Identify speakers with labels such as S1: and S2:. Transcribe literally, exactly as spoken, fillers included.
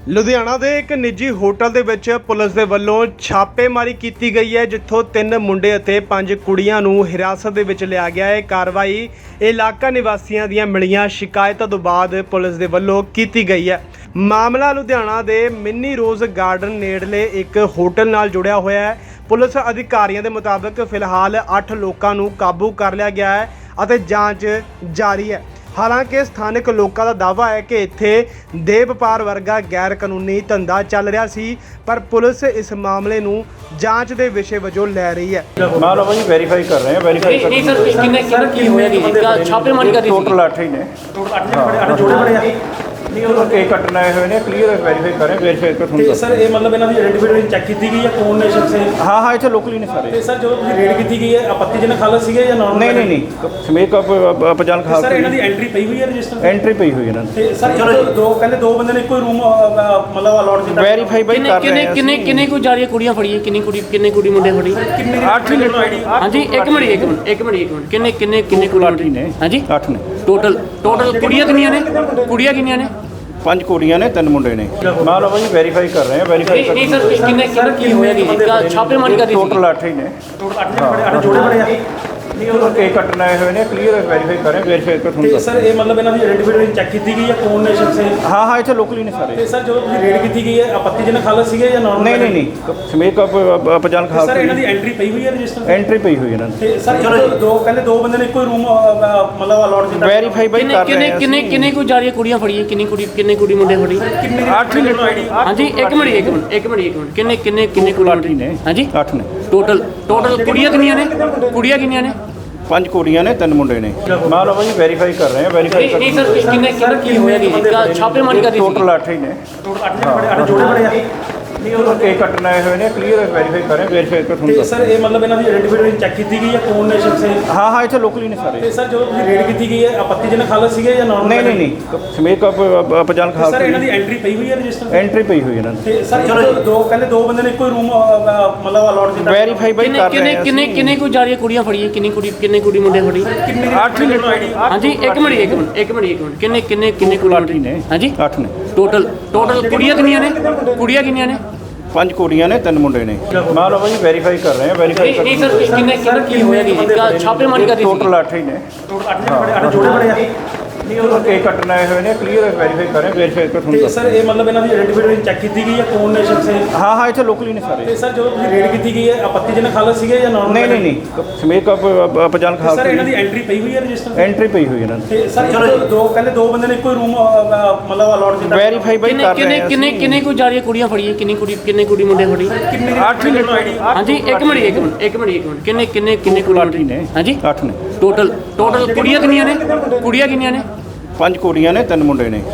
S1: ਲੁਧਿਆਣਾ ਦੇ ਇੱਕ ਨਿੱਜੀ ਹੋਟਲ ਦੇ ਵਿੱਚ ਪੁਲਿਸ ਦੇ ਵੱਲੋਂ ਛਾਪੇਮਾਰੀ ਕੀਤੀ ਗਈ ਹੈ, ਜਿੱਥੋਂ ਤਿੰਨ ਮੁੰਡੇ ਅਤੇ ਪੰਜ ਕੁੜੀਆਂ ਨੂੰ ਹਿਰਾਸਤ ਦੇ ਵਿੱਚ ਲਿਆ ਗਿਆ ਹੈ। ਕਾਰਵਾਈ ਇਲਾਕਾ ਨਿਵਾਸੀਆਂ ਦੀਆਂ ਮਿਲੀਆਂ ਸ਼ਿਕਾਇਤਾਂ ਤੋਂ ਬਾਅਦ ਪੁਲਿਸ ਦੇ ਵੱਲੋਂ ਕੀਤੀ ਗਈ ਹੈ। ਮਾਮਲਾ ਲੁਧਿਆਣਾ ਦੇ ਮਿੰਨੀ ਰੋਜ਼ ਗਾਰਡਨ ਨੇੜਲੇ ਇੱਕ ਹੋਟਲ ਨਾਲ ਜੁੜਿਆ ਹੋਇਆ ਹੈ। ਪੁਲਿਸ ਅਧਿਕਾਰੀਆਂ ਦੇ ਮੁਤਾਬਕ ਫਿਲਹਾਲ ਅੱਠ ਲੋਕਾਂ ਨੂੰ ਕਾਬੂ ਕਰ ਲਿਆ ਗਿਆ ਹੈ ਅਤੇ ਜਾਂਚ ਜਾਰੀ ਹੈ। ਹਾਲਾਂਕਿ ਸਥਾਨਕ ਲੋਕਾਂ ਦਾ ਦਾਅਵਾ ਹੈ ਕਿ ਇੱਥੇ ਦੇਹ ਵਪਾਰ ਵਰਗਾ ਗੈਰ ਕਾਨੂੰਨੀ ਧੰਦਾ ਚੱਲ ਰਿਹਾ ਸੀ, ਪਰ ਪੁਲਿਸ ਇਸ ਮਾਮਲੇ ਨੂੰ ਜਾਂਚ ਦੇ ਵਿਸ਼ੇ ਵਜੋਂ ਲੈ ਰਹੀ ਹੈ।
S2: ਮਾਮਲਾ ਭਾਜੀ ਵੈਰੀਫਾਈ ਕਰ ਰਹੇ ਹਾਂ। ਵੈਰੀਫਾਈ
S3: ਨਹੀਂ ਸਰ, ਕਿੰਨੇ ਕਿੰਨੇ ਕੀ ਹੋਇਆ ਜੀ? ਛਾਪੇਮਾਰੀ ਕਰ ਰਹੀ ਸੀ।
S2: ਟੋਟਲ ਅੱਠ ਹੀ ਨੇ।
S4: ਟੋਟਲ ਅੱਠ ਜਣੇ ਅੱਠ ਜੋੜੇ ਬਣੇ ਆ।
S2: ਨਹੀਂ ਉਹ ਕੇਕ ਕੱਟਣ ਆਏ ਹੋਏ ਨੇ। ਕਲੀਅਰ ਵੈਰੀਫਾਈ ਕਰ ਰਹੇ। ਵੈਰੀਫਾਈ ਕਰ ਤੁਹਾਨੂੰ
S4: ਤੇ ਸਰ ਇਹ ਮਤਲਬ ਇਹਨਾਂ ਦੀ ਆਇਡੈਂਟੀਫਿਕੇਸ਼ਨ ਚੈੱਕ ਕੀਤੀ ਗਈ ਹੈ ਕੌਣ ਨੇ ਸ਼ਖਸ ਇਹ?
S2: ਹਾਂ ਹਾਂ ਇੱਥੇ ਲੋਕਲੀ ਨੇ ਸਾਰੇ।
S4: ਤੇ ਸਰ ਜਦੋਂ ਤੁਸੀਂ ਰੇਡ ਕੀਤੀ ਗਈ ਹੈ ਆਪੱਤੀਜਨਕ ਹਾਲਤ ਸੀਗੇ ਜਾਂ ਨਾਰਮਲ?
S2: ਨਹੀਂ ਨਹੀਂ ਨਹੀਂ ਸਮੇਕ ਅਪਜਾਨ ਖਾਸ
S4: ਸਰ ਇਹਨਾਂ ਦੀ ਐਂਟਰੀ ਪਈ ਹੋਈ ਹੈ ਰਜਿਸਟਰ?
S2: ਐਂਟਰੀ ਪਈ ਹੋਈ ਇਹਨਾਂ ਦੀ।
S4: ਤੇ ਸਰ ਚਲੋ ਦੋ ਕਹਿੰਦੇ ਦੋ ਬੰਦੇ ਨੇ ਇੱਕੋ ਰੂਮ ਮਤਲਬ ਅਲਾਟ ਕੀਤਾ।
S2: ਵੈਰੀਫਾਈ ਬਾਈ ਕਰ ਰਹੇ
S3: ਕਿੰਨੇ
S2: ਹਾਂ।
S3: ਕਿੰਨੇ ਕਿੰਨੇ ਕੋ ਜਾ ਰਹੀ ਕੁੜੀਆਂ ਫੜੀਆਂ? ਕਿੰਨੀ ਕੁੜੀ ਕਿੰਨੇ ਕੁੜੀ ਮੁੰਡੇ ਫੜੀ?
S4: ਕਿੰਨੇ
S2: ਅੱਠ ਹੀ ਨੇ।
S3: ਹਾਂਜੀ ਇੱਕ ਮਿੰਟ ਇੱਕ ਮਿੰਟ ਇੱਕ ਮਿੰਟ ਇੱਕ ਮਿੰਟ ਕਿੰਨੇ ਕਿੰਨੇ ਕਿੰਨੇ ਕੁੜੀ
S2: ਅੱਠ ਹੀ ਨੇ।
S3: ਹਾਂਜੀ
S2: ਅੱਠ ਨੇ
S3: ਟੋਟਲ ਟੋਟਲ ਕੁੜੀਆਂ ਕਿੰਨੀਆਂ ਨੇ? ਕੁੜੀਆਂ ਕਿੰਨੀਆਂ ਨੇ?
S2: ਪੰਜ ਕੁੜੀਆਂ ਨੇ ਤਿੰਨ ਮੁੰਡੇ ਨੇ। ਮਾਮਲਾ ਭਾਜੀ ਵੈਰੀਫਾਈ ਕਰ ਰਹੇ ਹਾਂ। ਵੈਰੀਫਾਈ ਕਰ
S3: ਨਹੀਂ ਸਰ, ਕਿੰਨੇ ਕਿੰਨੇ ਕੀ ਹੋਇਆ ਜੀ? ਛਾਪੇਮਾਰੀ ਕਰ ਰਹੀ ਸੀ।
S2: ਟੋਟਲ ਅੱਠ ਹੀ ਨੇ।
S4: ਟੋਟਲ ਅੱਠ ਜਣੇ ਅੱਠ ਜੋੜੇ ਬਣੇ ਆ।
S2: ਨਹੀਂ ਉਹ ਕੇਕ ਕੱਟਣ ਆਏ ਹੋਏ ਨੇ। ਕਲੀਅਰ ਵੈਰੀਫਾਈ ਕਰ ਰਹੇ। ਵੈਰੀਫਾਈ ਕਰ
S4: ਤੇ
S2: ਤੁਹਾਨੂੰ
S4: ਸਰ ਇਹ ਮਤਲਬ ਇਹਨਾਂ ਦੀ ਆਇਡੈਂਟੀਫਿਕੇਸ਼ਨ ਚੈੱਕ ਕੀਤੀ ਗਈ ਹੈ ਕੌਣ ਨੇ ਸ਼ਖਸ ਇਹ?
S2: ਹਾਂ ਹਾਂ ਇੱਥੇ ਲੋਕਲੀ ਨੇ ਸਾਰੇ।
S4: ਤੇ ਸਰ ਜਦੋਂ ਤੁਸੀਂ ਰੇਡ ਕੀਤੀ ਗਈ ਹੈ ਆਪੱਤੀਜਨਕ ਹਾਲਤ ਸੀਗੇ ਜਾਂ ਨਾਰਮਲ?
S2: ਨਹੀਂ ਨਹੀਂ ਨਹੀਂ ਸਮੇਕ ਅਪਜਾਨ ਖਾਸ
S4: ਸਰ ਇਹਨਾਂ ਦੀ ਐਂਟਰੀ ਪਈ ਹੋਈ ਹੈ ਰਜਿਸਟਰ?
S2: ਐਂਟਰੀ ਪਈ ਹੋਈ ਇਹਨਾਂ ਦੀ।
S4: ਤੇ ਸਰ ਚਲੋ ਦੋ ਕਹਿੰਦੇ ਦੋ ਬੰਦੇ ਨੇ ਇੱਕੋ ਰੂਮ ਮਤਲਬ ਅਲਾਟ ਕੀਤਾ।
S2: ਵੈਰੀਫਾਈ ਬਾਈ
S3: ਕਿੰਨੇ
S2: ਕਰ ਰਹੇ
S3: ਕਿੰਨੇ
S2: ਹਾਂ।
S3: ਕਿੰਨੇ ਕਿੰਨੇ ਕੋ ਜਾ ਰਹੀ ਕੁੜੀਆਂ ਫੜੀਆਂ? ਕਿੰਨੀ ਕੁੜੀ ਕਿੰਨੇ ਕੁੜੀ ਮੁੰਡੇ ਫੜੀ?
S4: ਕਿੰਨੇ
S2: ਅੱਠ ਹੀ ਨੇ।
S3: ਹਾਂਜੀ ਇੱਕ ਮਿੰਟ ਇੱਕ ਮਿੰਟ ਇੱਕ ਮਿੰਟ ਇੱਕ ਮਿੰਟ ਕਿੰਨੇ ਕਿੰਨੇ ਕਿੰਨੇ ਕੁੜੀ
S2: ਅੱਠ ਹੀ ਨੇ।
S3: ਹਾਂਜੀ
S2: ਅੱਠ ਨੇ
S3: ਟੋਟਲ ਟੋਟਲ ਕੁੜੀਆਂ ਕਿੰਨੀਆਂ ਨੇ? ਕੁੜੀਆਂ ਕਿੰਨੀਆਂ ਨੇ?
S2: ਪੰਜ ਕੁੜੀਆਂ ਨੇ ਤਿੰਨ ਮੁੰਡੇ ਨੇ। ਮਾਮਲਾ ਭਾਜੀ ਵੈਰੀਫਾਈ ਕਰ ਰਹੇ ਹਾਂ। ਵੈਰੀਫਾਈ ਕਰ
S3: ਨਹੀਂ ਸਰ, ਕਿੰਨੇ ਕਿੰਨੇ ਕੀ ਹੋਇਆ ਜੀ? ਛਾਪੇਮਾਰੀ ਕਰ ਰਹੀ ਸੀ।
S2: ਟੋਟਲ ਅੱਠ ਹੀ ਨੇ।
S4: ਟੋਟਲ ਅੱਠ ਜਣੇ ਅੱਠ ਜੋੜੇ ਬਣੇ ਆ।
S2: ਨਹੀਂ ਉਹ ਕੇਕ ਕੱਟਣ ਆਏ ਹੋਏ ਨੇ। ਕਲੀਅਰ ਵੈਰੀਫਾਈ ਕਰ ਰਹੇ। ਵੈਰੀਫਾਈ ਕਰ
S4: ਤੇ
S2: ਤੁਹਾਨੂੰ
S4: ਸਰ ਇਹ ਮਤਲਬ ਇਹਨਾਂ ਦੀ ਆਇਡੈਂਟੀਫਿਕੇਸ਼ਨ ਚੈੱਕ ਕੀਤੀ ਗਈ ਹੈ ਕੌਣ ਨੇ ਸ਼ਖਸ ਇਹ?
S2: ਹਾਂ ਹਾਂ ਇੱਥੇ ਲੋਕਲੀ ਨੇ ਸਾਰੇ।
S4: ਤੇ ਸਰ ਜਦੋਂ ਤੁਸੀਂ ਰੇਡ ਕੀਤੀ ਗਈ ਹੈ ਆਪੱਤੀਜਨਕ ਹਾਲਤ ਸੀਗੇ ਜਾਂ ਨਾਰਮਲ?
S2: ਨਹੀਂ ਨਹੀਂ ਨਹੀਂ ਸਮੇਕ ਅਪਜਾਨ ਖਾਸ
S4: ਸਰ ਇਹਨਾਂ ਦੀ ਐਂਟਰੀ ਪਈ ਹੋਈ ਹੈ ਰਜਿਸਟਰ?
S2: ਐਂਟਰੀ ਪਈ ਹੋਈ ਇਹਨਾਂ ਦੀ।
S4: ਤੇ ਸਰ ਚਲੋ ਦੋ ਕਹਿੰਦੇ ਦੋ ਬੰਦੇ ਨੇ ਇੱਕੋ ਰੂਮ ਮਤਲਬ ਅਲਾਟ ਕੀਤਾ।
S2: ਵੈਰੀਫਾਈ ਬਾਈ
S3: ਕਿੰਨੇ
S2: ਕਰ ਰਹੇ
S3: ਕਿੰਨੇ
S2: ਹਾਂ।
S3: ਕਿੰਨੇ ਕਿੰਨੇ ਕੋ ਜਾ ਰਹੀ ਕੁੜੀਆਂ ਫੜੀਆਂ? ਕਿੰਨੀ ਕੁੜੀ ਕਿੰਨੇ ਕੁੜੀ ਮੁੰਡੇ ਫੜੀ?
S4: ਕਿੰਨੇ
S2: ਅੱਠ ਹੀ ਨੇ।
S3: ਹਾਂਜੀ ਇੱਕ ਮਿੰਟ ਇੱਕ ਮਿੰਟ ਇੱਕ ਮਿੰਟ ਇੱਕ ਮਿੰਟ ਕਿੰਨੇ ਕਿੰਨੇ ਕਿੰਨੇ ਕੁੜੀ
S2: ਅੱਠ ਹੀ ਨੇ।
S3: ਹਾਂਜੀ
S2: ਅੱਠ ਨੇ
S3: ਟੋਟਲ ਟੋਟਲ ਕੁੜੀਆਂ ਕਿੰਨੀਆਂ ਨੇ? ਕੁੜੀਆਂ ਕਿੰਨੀਆਂ ਨੇ?
S2: ਪੰਜ ਕੁੜੀਆਂ ਨੇ ਤਿੰਨ ਮੁੰਡੇ ਨੇ। ਮਾਮਲਾ ਭਾਜੀ ਵੈਰੀਫਾਈ ਕਰ ਰਹੇ ਹਾਂ। ਵੈਰੀਫਾਈ ਕਰ
S3: ਨਹੀਂ ਸਰ, ਕਿੰਨੇ ਕਿੰਨੇ ਕੀ ਹੋਇਆ ਜੀ? ਛਾਪੇਮਾਰੀ ਕਰ ਰਹੀ ਸੀ।
S2: ਟੋਟਲ ਅੱਠ ਹੀ ਨੇ।
S4: ਟੋਟਲ ਅੱਠ ਜਣੇ ਅੱਠ ਜੋੜੇ ਬਣੇ ਆ।
S2: ਨਹੀਂ ਉਹ ਕੇਕ ਕੱਟਣ ਆਏ ਹੋਏ ਨੇ। ਕਲੀਅਰ ਵੈਰੀਫਾਈ ਕਰ ਰਹੇ। ਵੈਰੀਫਾਈ ਕਰ
S4: ਤੇ
S2: ਤੁਹਾਨੂੰ
S4: ਸਰ ਇਹ ਮਤਲਬ ਇਹਨਾਂ ਦੀ ਆਇਡੈਂਟੀਫਿਕੇਸ਼ਨ ਚੈੱਕ ਕੀਤੀ ਗਈ ਹੈ ਕੌਣ ਨੇ ਸ਼ਖਸ ਇਹ?
S2: ਹਾਂ ਹਾਂ ਇੱਥੇ ਲੋਕਲੀ ਨੇ ਸਾਰੇ।
S4: ਤੇ ਸਰ ਜਦੋਂ ਤੁਸੀਂ ਰੇਡ ਕੀਤੀ ਗਈ ਹੈ ਆਪੱਤੀਜਨਕ ਹਾਲਤ ਸੀਗੇ ਜਾਂ ਨਾਰਮਲ?
S2: ਨਹੀਂ ਨਹੀਂ ਨਹੀਂ ਸਮੇਕ ਅਪਜਾਨ ਖਾਸ
S4: ਸਰ ਇਹਨਾਂ ਦੀ ਐਂਟਰੀ ਪਈ ਹੋਈ ਹੈ ਰਜਿਸਟਰ?
S2: ਐਂਟਰੀ ਪਈ ਹੋਈ ਇਹਨਾਂ ਦੀ।
S4: ਤੇ ਸਰ ਚਲੋ ਦੋ ਕਹਿੰਦੇ ਦੋ ਬੰਦੇ ਨੇ ਇੱਕੋ ਰੂਮ ਮਤਲਬ ਅਲਾਟ ਕੀਤਾ।
S2: ਵੈਰੀਫਾਈ ਬਾਈ
S3: ਕਿੰਨੇ
S2: ਕਰ
S3: ਕਿੰਨੇ
S2: ਰਹੇ ਹਾਂ।
S3: ਕਿੰਨੇ ਕਿੰਨੇ ਕੋ ਜਾ ਰਹੀ ਕੁੜੀਆਂ ਫੜੀਆਂ? ਕਿੰਨੀ ਕੁੜੀ ਕਿੰਨੇ ਕੁੜੀ ਮੁੰਡੇ ਫੜੀ?
S4: ਕਿੰਨੇ
S2: ਅੱਠ ਹੀ ਨੇ।
S3: ਹਾਂਜੀ ਇੱਕ ਮਿੰਟ ਇੱਕ ਮਿੰਟ ਇੱਕ ਮਿੰਟ ਇੱਕ ਮਿੰਟ ਕਿੰਨੇ ਕਿੰਨੇ ਕਿੰਨੇ ਕੁੜੀ
S2: ਅੱਠ ਹੀ ਨੇ।
S3: ਹਾਂਜੀ
S2: ਅੱਠ ਨੇ
S3: ਟੋਟਲ ਟੋਟਲ ਕੁੜੀਆਂ ਕਿੰਨੀਆਂ ਨੇ? ਕੁੜੀਆਂ ਕਿੰਨੀਆਂ ਨੇ?
S2: ਪੰਜ ਕੁੜੀਆਂ ਨੇ ਤਿੰਨ ਮੁੰਡੇ ਨੇ।